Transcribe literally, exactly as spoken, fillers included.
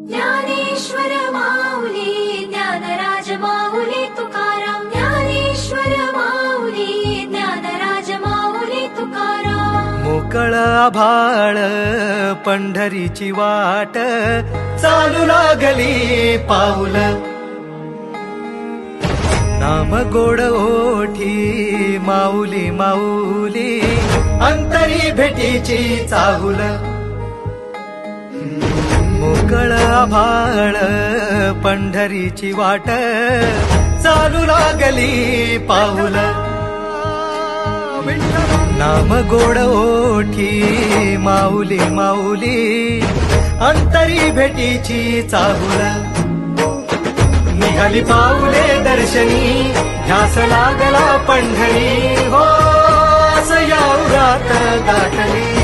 ज्ञानेश्वर माऊली ज्ञानराज माऊली तुकाराम ज्ञानेश्वर माऊली ज्ञानराज माऊली तुकाराम मोकळ आभाळ पंढरीची वाट चालू लागली पाऊल नाम गोड ओठी माऊली माऊली अंतरी भेटीची चाहुल मोकळ आभाळ पंढरीची वाट चालू लागली पाऊल नाम गोड ओठी माऊली माऊली अंतरी भेटीची चाहुल निघाली पाऊले दर्शनी ध्यास लागला पंढरी हो असं या उरात गाठली